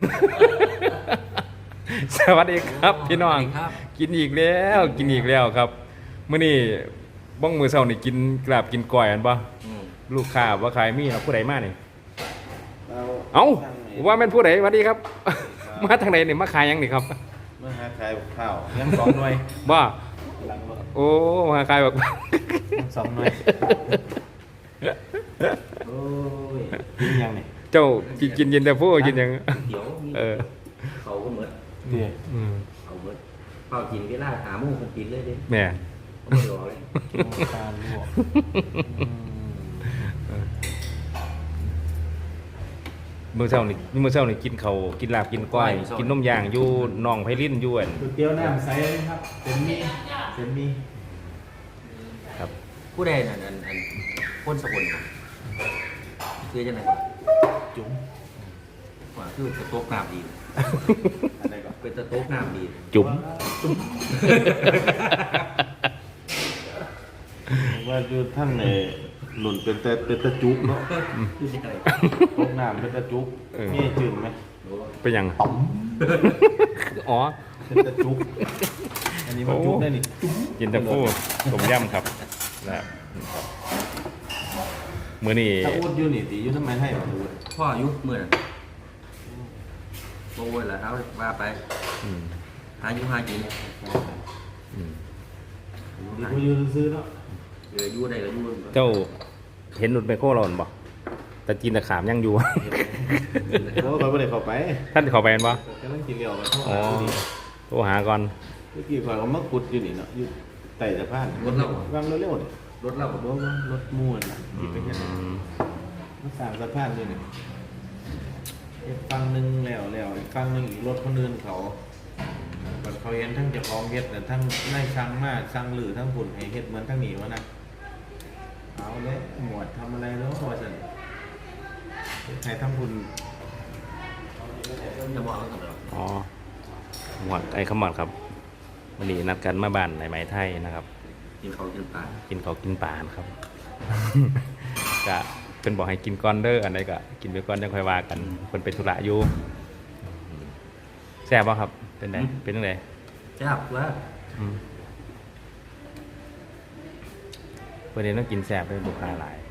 สวัสดีครับพี่น้องกินอีกแล้วกินอีกแล้วครับมื้อนี้บ้องมือเช้านี่กินกราบกินก้อยอันบ่ลูกค้าว่าขายมีเนาะผู้ใดมานี่เอ้าว่าแม่นผู้ใดสวัสดีครับมาทางไหนนี่มาขายหยังนี่ครับมาหาขายข้าวยัง2 หน่วยบ่โอ้มาขายแบบ 2 หน่วยโอ้ยกินยังนี่เจ้ากินเย็นแต่ผู้กินหยังเดี๋ยวเขาก็เหมือนเขาเหมือนเป่ากินเวลาหาโมงคงกินเลยดิแม่เขาไม่รอเลยตาลวกมื้อเช้านี่กินข้าวกินลาบกินก้อยกินนมย่างอยู่หนองไผลินอยู่อันก๋วยเตี๋ยวน้ำใสครับเป็นมีครับผู้ใดนั่นคนสกุลคือจังได๋จุ๋มว่าคือตะโต๊ะน้ำดีอะไรก็เป็นตะโต๊ะน้ำดีจุ๋มว่าอยู่ทั้งในหล่นเป็นตะจุกเนาะตกน้ำเป็นตะจุกนี่จืดไหมเป็นหยังป๋อมอ๋อเป็นตะจุกอันนี้มันจุกได้นี่กินแต่ผู้ต้มยำครับนะครับมื้อนี้ถ้าพูดอยู่นี่ตีอยู่ทำไมให้มาดูพ่ออายุมื้อน่ะโอ้ยล่ะเอาว่าไปหาอยู่หากินดีกว่าอยู่ซื้อเนาะอยู่ได้ก็อยู่เจ้าเห็นรถไมโครเราบ่แต่จีนตะขามยังอยู่โอ้ยบ่ได้เข้าไปท่านเข้าไปบ่กำลังกินเหล้ากันอ๋อโทรหาก่อนเมื่อกี้ข่อยก็มาขุดอยู่นี่เนาะอยู่ใต้สะพานรถเราวางเร็วๆนี่รถเราบ่รถม่วนนี่เป็นจังได๋มาสร้างสะพานอยู่นี่อีกฝั่งนึงแล้วอีกฝั่งนึงอีกรถคนอื่นเขาเขาเห็นทั้งเจ้าของเฮ็ดน่ะทั้งนายช่างมาช่างหรือทั้งฝุ่นให้เฮ็ดเหมือนทั้งนี้วะนะเอาเลยหมวดทำอะไรแล้วว่าซั่นให้ทั้งฝุ่นจะบอกแล้วกันอ๋อหมวดไอ้ขมอดครับวันนี้นัดกันมาบ้านในไหมไทยนะครับกินเขากินปลาครับก็เป็นบอกให้กินก้อนเด้ออันใดก็กินไปก้อนยังค่อยว่ากันคนเป็นธุระอยู่แซ่บป่ะครับเป็นไงเป็นยังไงแซ่บว่าประเด็นต้องกินแซ่บเป็นลูกค้าหลาย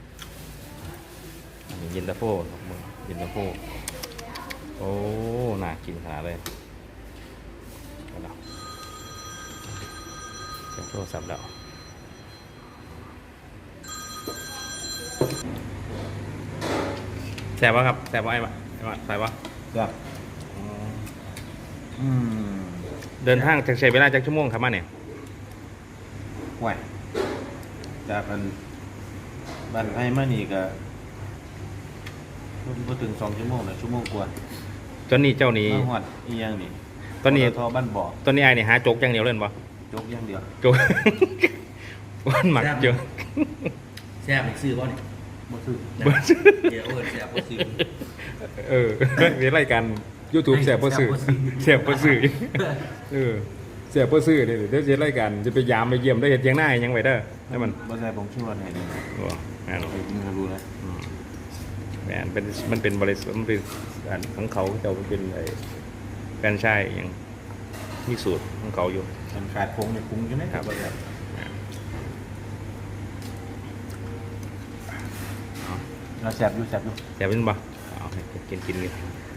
เย็นตาโฟเย็นตาโฟโอ้น่ากินขนาดเลยเจ้าโทรศัพท์แล้วแซ่บป่ะครับแซ่บป่ะไอ้บ้าใส่ป่ะแซ่บเดินทางจากใช้เวลาจากชั่วโมงครับมาเนี่ยห่วยจากกันบ้านไอ้มานี่ก็พอถึง2 ชั่วโมงนะชั่วโมงกว่าตอนนี้เจ้านี้มาฮอดอีหยังนี่ตอนนี้ทอบ้านบ่อตอนนี้ไอ้นี่หาโจกอย่างเดียวเล่นบ่โจกอย่างเดียวโจกวันหมักเจอแซ่บซื้อบ่นี่บ่ซื้อเดี๋ยวแซ่บบ่ซื้อมีรายการ YouTube แซ่บบ่ซื้อแซ่บบ่ซื้อแซ่บบ่ซื้อนี่เดี๋ยวจะรายการจะไปยามไปเยี่ยมได้เฮ็ดเถียงหน้ายังไว้เด้อให้มันบ่ใส่ผงชูรสให้นี่โอ้งั้นมึงรู้แล้วแม่นมันเป็นบริษัทมันเป็นอันของเขาเจ้าเป็นไอ้แฟรนไชส์อย่างมีสูตรของเขาอยู่มันขาดผงเนี่ยปรุงอยู่นะครับบ่ครับเราแซ่บอยู่เป็นบ่เอาให้กินนี่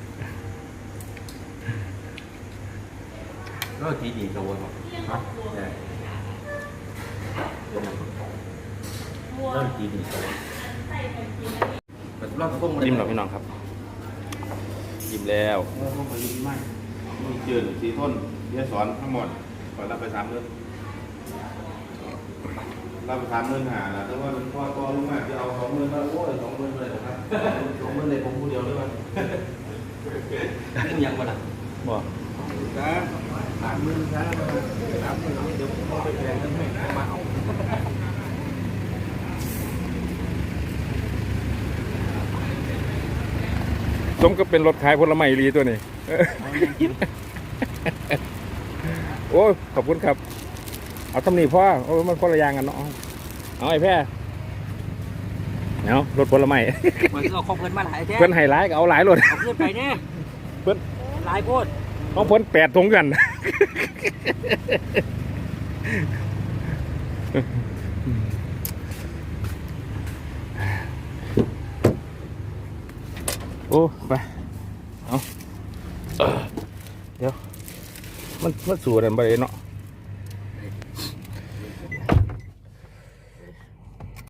ก็ดีกับวัวครับเริ่มดียิ้มหรอพี่น้องครับยิ้มแล้วมีเจือสีต้นเดี๋ยวสอนทั้งหมดก่อนรับไป3 เดือนรับไป3 เดือนหาแต่ว่าพ่อก็รู้มากจะเอา20,000มาโอ้ย20,000เลยนะครับ20,000เลยผมผู้เดียวด้วยยังมาหนักบ่ครับ30,000ครับ30,000เดี๋ยวผมไปแข่งกันให้มาเอาสมก็เป็นรถขายผลไม้ลีตัวนี้โอ้ขอบคุณครับเอาตำหนิพ่อโอ้มันคนละอย่างกันเนาะเอาไอ้แพ้เอารถผลไม้เหมือนเอาของเพื่อนมาหลายแท้เพื่อนไฮไลท์ก็เอาหลายรถเอาเพื่อนไปเนี่ยเพิ่นหลายโพดของเพิ่น8ถุงกัน โอ้ไปเอาเดี๋ยวมันสูดอันบ่ได้เนาะ